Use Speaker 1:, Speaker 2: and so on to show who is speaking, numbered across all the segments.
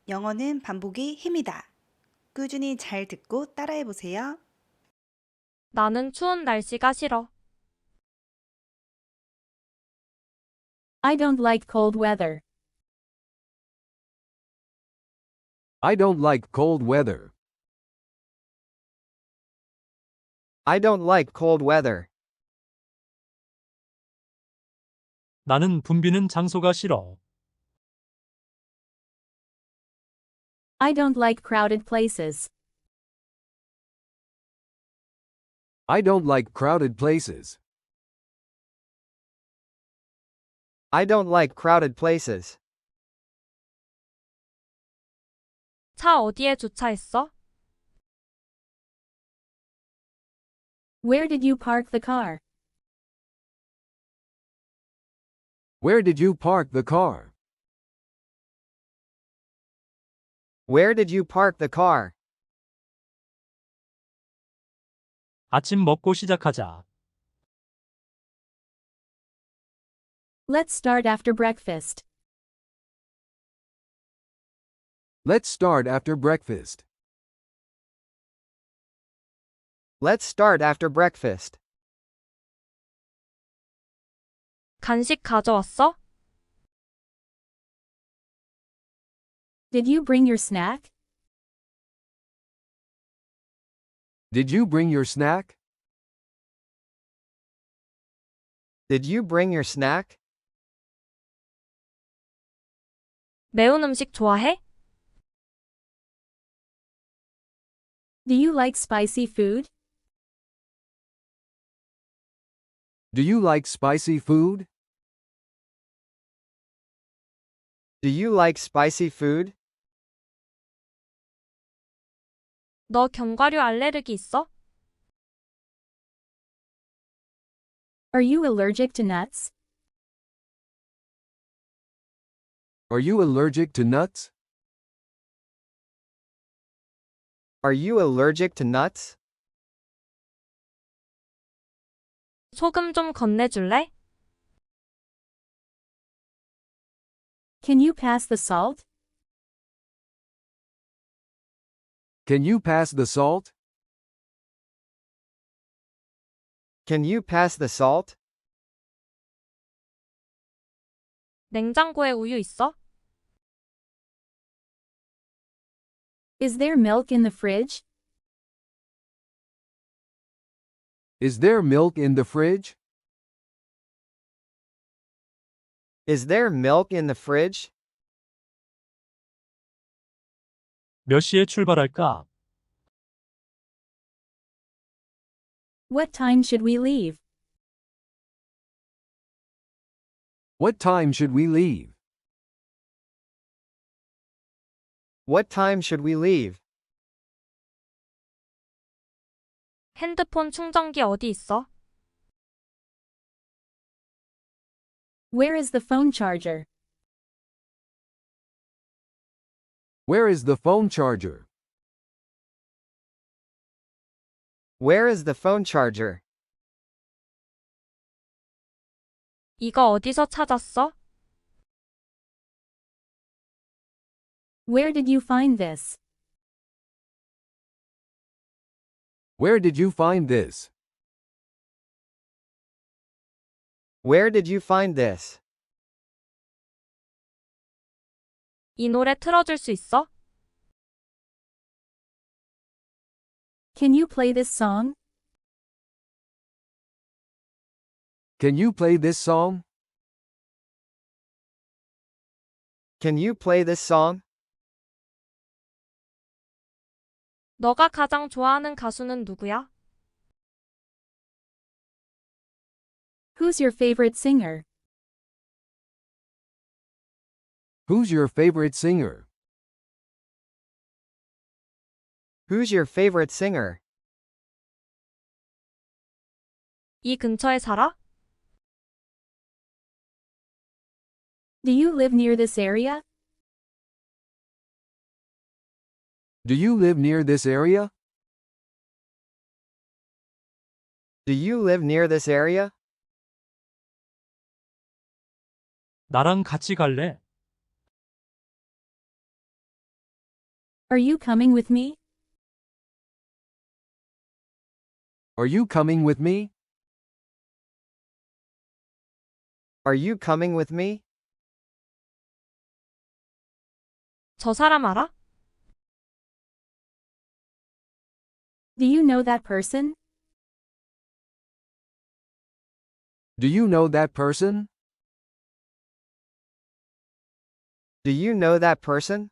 Speaker 1: 영어는 반복이 힘이다. 꾸준히 잘 듣고 따라해 보세요.
Speaker 2: 나는 추운 날씨가 싫어.
Speaker 3: I don't like cold weather.
Speaker 4: I don't like cold weather.
Speaker 5: I don't like cold weather.
Speaker 6: 나는 붐비는 장소가 싫어.
Speaker 3: I don't like crowded places.
Speaker 4: I don't like crowded places.
Speaker 5: I don't like crowded places.
Speaker 2: 차 어디에 주차했어?
Speaker 3: Where did you park the car?
Speaker 4: Where did you park the car?
Speaker 5: Where did you park the car?
Speaker 6: 아침 먹고 시작하자.
Speaker 3: Let's start after breakfast.
Speaker 4: Let's start after breakfast.
Speaker 5: Let's start after breakfast.
Speaker 2: 간식 가져왔어?
Speaker 3: Did you bring your snack?
Speaker 4: Did you bring your snack?
Speaker 5: Did you bring your snack?
Speaker 2: 매운 음식 좋아해?
Speaker 3: Do you like spicy food?
Speaker 4: Do you like spicy food?
Speaker 5: Do you like spicy food?
Speaker 2: 너 견과류 알레르기 있어?
Speaker 3: Are you allergic to nuts?
Speaker 4: Are you allergic to nuts?
Speaker 5: Are you allergic to nuts?
Speaker 2: 소금 좀 건네줄래?
Speaker 3: Can you pass the salt?
Speaker 4: Can you pass the salt?
Speaker 5: Can you pass the salt?
Speaker 2: 냉장고에 우유 있어?
Speaker 3: Is there milk in the fridge?
Speaker 4: Is there milk in the fridge?
Speaker 5: Is there milk in the fridge?
Speaker 6: 몇 시에 출발할까?
Speaker 3: What time should we leave?
Speaker 4: What time should we leave?
Speaker 5: What time should we leave?
Speaker 2: 핸드폰 충전기 어디 있어?
Speaker 3: Where is the phone charger?
Speaker 4: Where is the phone charger?
Speaker 5: Where is the phone charger?
Speaker 2: 이거 어디서 찾았어?
Speaker 3: Where did you find this?
Speaker 4: Where did you find this?
Speaker 5: Where did you find this?
Speaker 2: 이 노래 틀어줄 수 있어?
Speaker 3: Can you play this song?
Speaker 4: Can you play this song?
Speaker 5: Can you play this song?
Speaker 2: 너가 가장 좋아하는 가수는 누구야?
Speaker 3: Who's your favorite singer?
Speaker 4: Who's your favorite singer?
Speaker 5: Who's your favorite singer?
Speaker 2: 이 근처에 살아?
Speaker 3: Do you live near this area?
Speaker 4: Do you live near this area?
Speaker 5: Do you live near this area?
Speaker 6: 나랑 같이 갈래?
Speaker 3: Are you coming with me?
Speaker 4: Are you coming with me?
Speaker 5: Are you coming with me?
Speaker 2: 저 사람 알아?
Speaker 3: Do you know that person?
Speaker 4: Do you know that person?
Speaker 5: Do you know that person?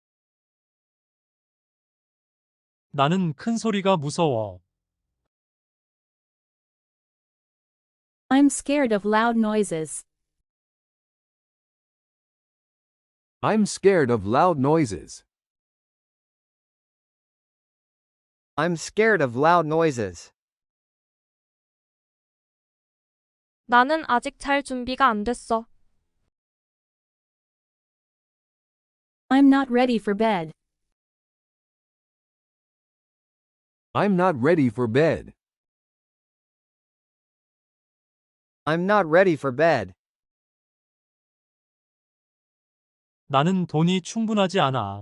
Speaker 6: 나는 큰 소리가 무서워.
Speaker 3: I'm scared of loud noises.
Speaker 4: I'm scared of loud noises.
Speaker 5: I'm scared of loud noises.
Speaker 2: 나는 아직 잘 준비가 안 됐어.
Speaker 3: I'm not ready for bed.
Speaker 4: I'm not ready for bed.
Speaker 5: I'm not ready for bed.
Speaker 6: 나는 돈이 충분하지 않아.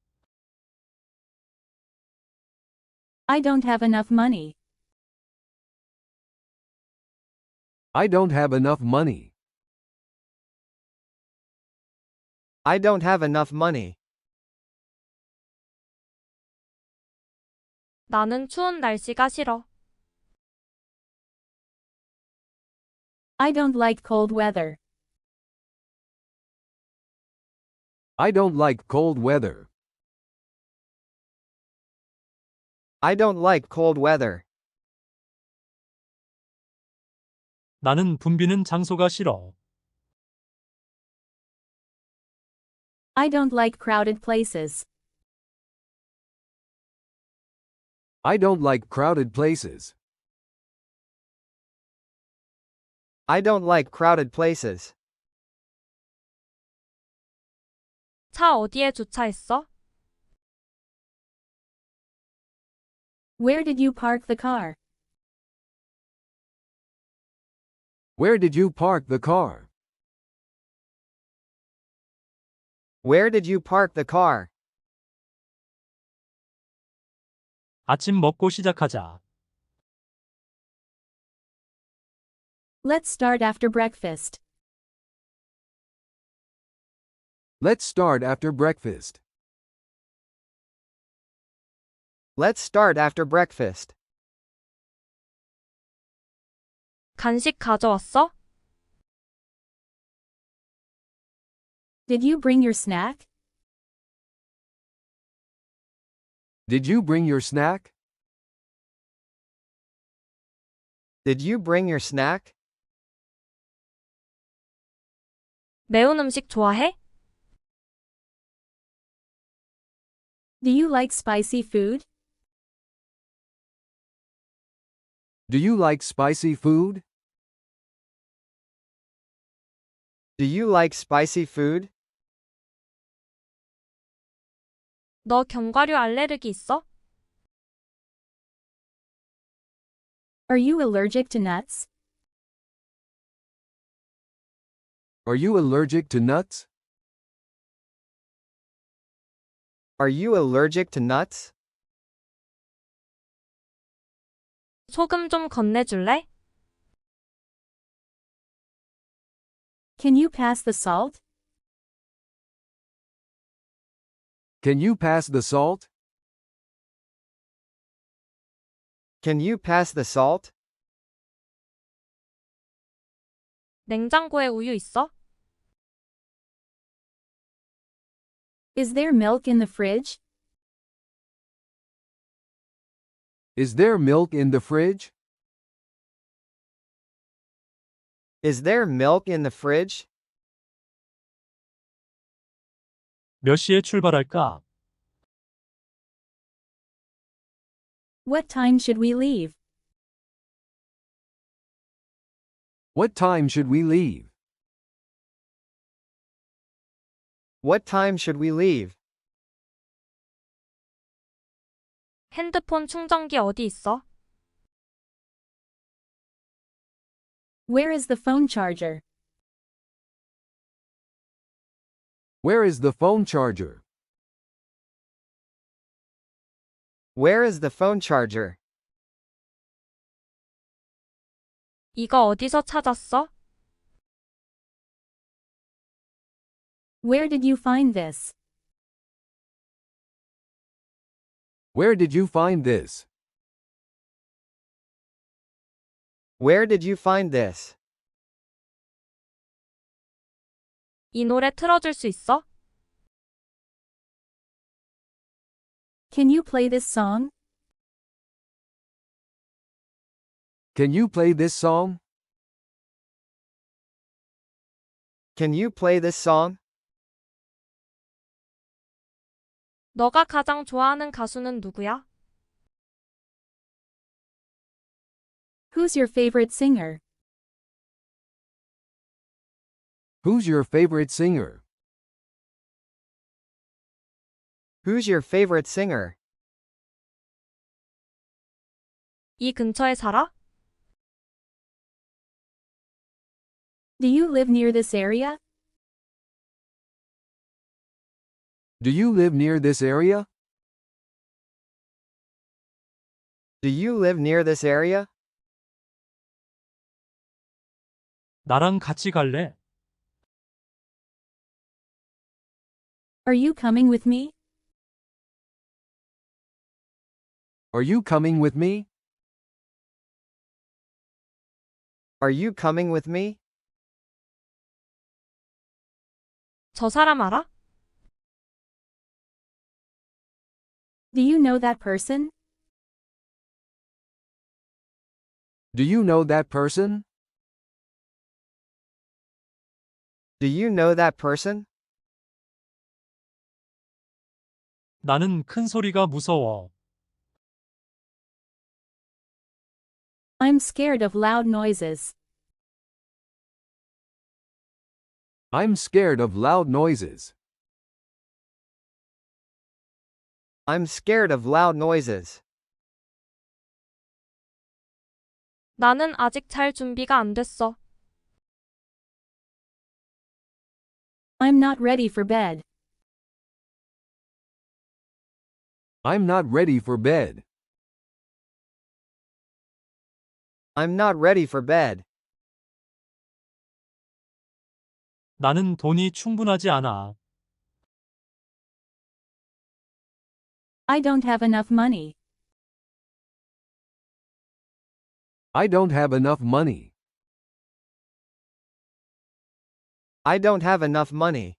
Speaker 3: I don't have enough money.
Speaker 4: I don't have enough money.
Speaker 5: I don't have enough money.
Speaker 2: 나는 추운 날씨가 싫어.
Speaker 3: I don't like cold weather.
Speaker 4: I don't like cold weather.
Speaker 5: I don't like cold weather.
Speaker 6: 나는 붐비는 장소가 싫어.
Speaker 3: I don't like crowded places.
Speaker 4: I don't like crowded places.
Speaker 5: I don't like crowded places.
Speaker 2: 차 어디에 주차했어?
Speaker 3: Where did you park the car?
Speaker 4: Where did you park the car?
Speaker 5: Where did you park the car?
Speaker 6: 아침 먹고 시작하자.
Speaker 3: Let's start after breakfast.
Speaker 4: Let's start after breakfast.
Speaker 5: Let's start after breakfast.
Speaker 2: 간식 가져왔어?
Speaker 3: Did you bring your snack?
Speaker 4: Did you bring your snack?
Speaker 5: Did you bring your snack?
Speaker 2: 매운 음식 좋아해?
Speaker 3: Do you like spicy food?
Speaker 4: Do you like spicy food?
Speaker 5: Do you like spicy food?
Speaker 2: 너 견과류 알레르기 있어?
Speaker 3: Are you allergic to nuts?
Speaker 4: Are you allergic to nuts?
Speaker 5: Are you allergic to nuts?
Speaker 2: 소금 좀 건네줄래?
Speaker 3: Can you pass the salt?
Speaker 4: Can you pass the salt?
Speaker 5: Can you pass the salt?
Speaker 2: 냉장고에 우유 있어?
Speaker 3: Is there milk in the fridge?
Speaker 4: Is there milk in the fridge?
Speaker 5: Is there milk in the fridge?
Speaker 6: 몇 시에 출발할까?
Speaker 3: What time should we leave?
Speaker 4: What time should we leave?
Speaker 5: What time should we leave?
Speaker 2: 핸드폰 충전기 어디 있어?
Speaker 3: Where is the phone charger?
Speaker 4: Where is the phone charger?
Speaker 5: Where is the phone charger?
Speaker 2: 이거 어디서 찾았어?
Speaker 3: Where did you find this?
Speaker 4: Where did you find this?
Speaker 5: Where did you find this?
Speaker 2: 이 노래 틀어줄 수 있어?
Speaker 3: Can you play this song?
Speaker 4: Can you play this song?
Speaker 5: Can you play this song?
Speaker 2: 너가 가장 좋아하는 가수는 누구야?
Speaker 3: Who's your favorite singer?
Speaker 4: Who's your favorite singer?
Speaker 5: Who's your favorite singer?
Speaker 2: 이 근처에 살아?
Speaker 3: Do you live near this area?
Speaker 4: Do you live near this area?
Speaker 5: Do you live near this area?
Speaker 6: 나랑 같이 갈래?
Speaker 3: Are you coming with me?
Speaker 4: Are you coming with me?
Speaker 5: Are you coming with me?
Speaker 2: 저 사람 알아?
Speaker 3: Do you know that person?
Speaker 4: Do you know that person?
Speaker 5: Do you know that person?
Speaker 6: 나는 큰 소리가 무서워.
Speaker 3: I'm scared of loud noises.
Speaker 4: I'm scared of loud noises.
Speaker 5: I'm scared of loud noises.
Speaker 2: 나는 아직 잘 준비가 안 됐어.
Speaker 3: I'm not ready for bed.
Speaker 4: I'm not ready for bed.
Speaker 5: I'm not ready for bed.
Speaker 6: 나는 돈이 충분하지 않아.
Speaker 3: I don't have enough money.
Speaker 4: I don't have enough money.
Speaker 5: I don't have enough money.